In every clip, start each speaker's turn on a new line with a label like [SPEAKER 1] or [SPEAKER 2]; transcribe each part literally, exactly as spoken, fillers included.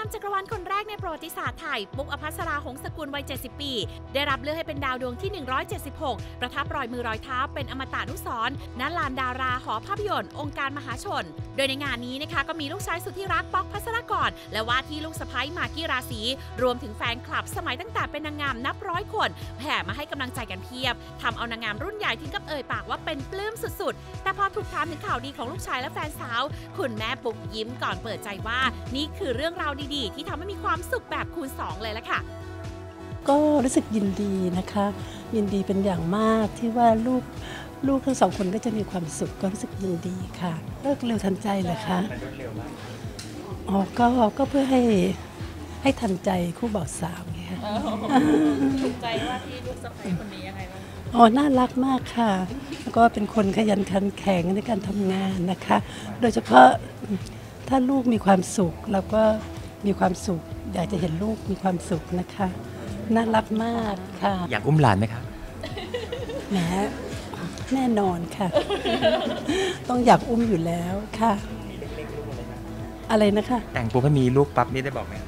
[SPEAKER 1] ามจักรวาลคนแรกในประวัติศาสตร์ไทยปุ๊กอภัสราหงสกุลวัยเจ็ดสิบปีได้รับเลือกให้เป็นดาวดวงที่หนึ่งร้อยเจ็ดสิบหกประทับรอยมือรอยเท้าเป็นอมตะนุสรณ์ณลานดาราหอภาพยนตร์องค์การมหาชนโดยในงานนี้นะคะก็มีลูกชายสุดที่รักป๊อกภัสรกรและว่าที่ลูกสะใภ้มากกี้ราศีรวมถึงแฟนคลับสมัยตั้งแต่เป็นนางงามนับร้อยคนแห่มาให้กำลังใจกันเพียบทำเอานางงามรุ่นใหญ่ถึงกับเอ่ยปากว่าเป็นปลื้มสุดๆแต่พอถูกถามถึงข่าวดีของลูกชายและแฟนสาวคุณแม่ปุ๊กยิ้มก่อนเปิดใจว่านี่คือเรื่องราวดีๆที่ทำให้มีความสุขแบบคูณสองเลยละค่ะ
[SPEAKER 2] ก็รู้สึกยินดีนะคะยินดีเป็นอย่างมากที่ว่าลูกลูกทั้งสองคนก็จะมีความสุขก็รู้สึกยินดีค่ะเลิกเร็วทันใจเหรอคะอ๋อก็ก็เพื่อให้ให้ทันใจคู่บ่าวสาวไงค่ะ
[SPEAKER 1] ถูกใจว่าที่ลูกสะใภ้คนนี้ยังไงบ้าง
[SPEAKER 2] อ๋อน่ารักมากค่ะแล้วก็เป็นคนขยันขันแข็งในการทำงานนะคะโดยเฉพาะถ้าลูกมีความสุขเราก็มีความสุขอยากจะเห็นลูกมีความสุขนะคะน่ารักมากค่ะ
[SPEAKER 3] อยากอุ้มหลานไหมคะ
[SPEAKER 2] แหมแน่นอนค่ะต้องอยากอุ้มอยู่แล้วค่ะอะไรนะคะ
[SPEAKER 3] แต่งปุ๊บให้มีลูกปั๊บนี่ได้บอกไหม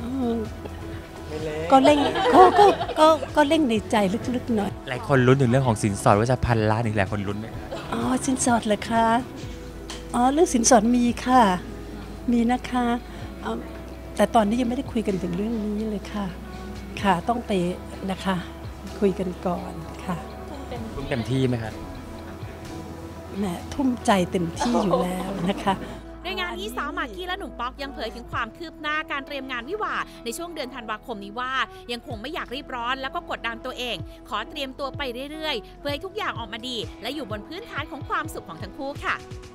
[SPEAKER 2] ก็เร่งก็ก็ก็ก็เร่งในใจลึกๆหน่อย
[SPEAKER 3] หลายคนลุ้นถึงเรื่องของสินสอดว่าจะพันล้านอีกหลายคนลุ้นไหม
[SPEAKER 2] อ๋อสินสอดเหรอคะอ๋อเรื่องสินสอดมีค่ะมีนะคะแต่ตอนนี้ยังไม่ได้คุยกันถึงเรื่องนี้เลยค่ะค่ะต้องไปนะคะคุยกันก่อนค่ะ
[SPEAKER 3] ทุ่มเต็มที่ไหมครับ
[SPEAKER 2] แหมทุ่มใจเต็มที่อยู่แล้วนะคะ
[SPEAKER 1] ในงานนี้สาวมากกี้และหนุ่มป๊อกยังเผยถึงความคืบหน้าการเตรียมงานวิวาห์ในช่วงเดือนธันวาคมนี้ว่ายังคงไม่อยากรีบร้อนแล้วก็กดดันตัวเองขอเตรียมตัวไปเรื่อยๆเพื่อให้ทุกอย่างออกมาดีและอยู่บนพื้นฐานของความสุขของทั้งคู่ค่ะ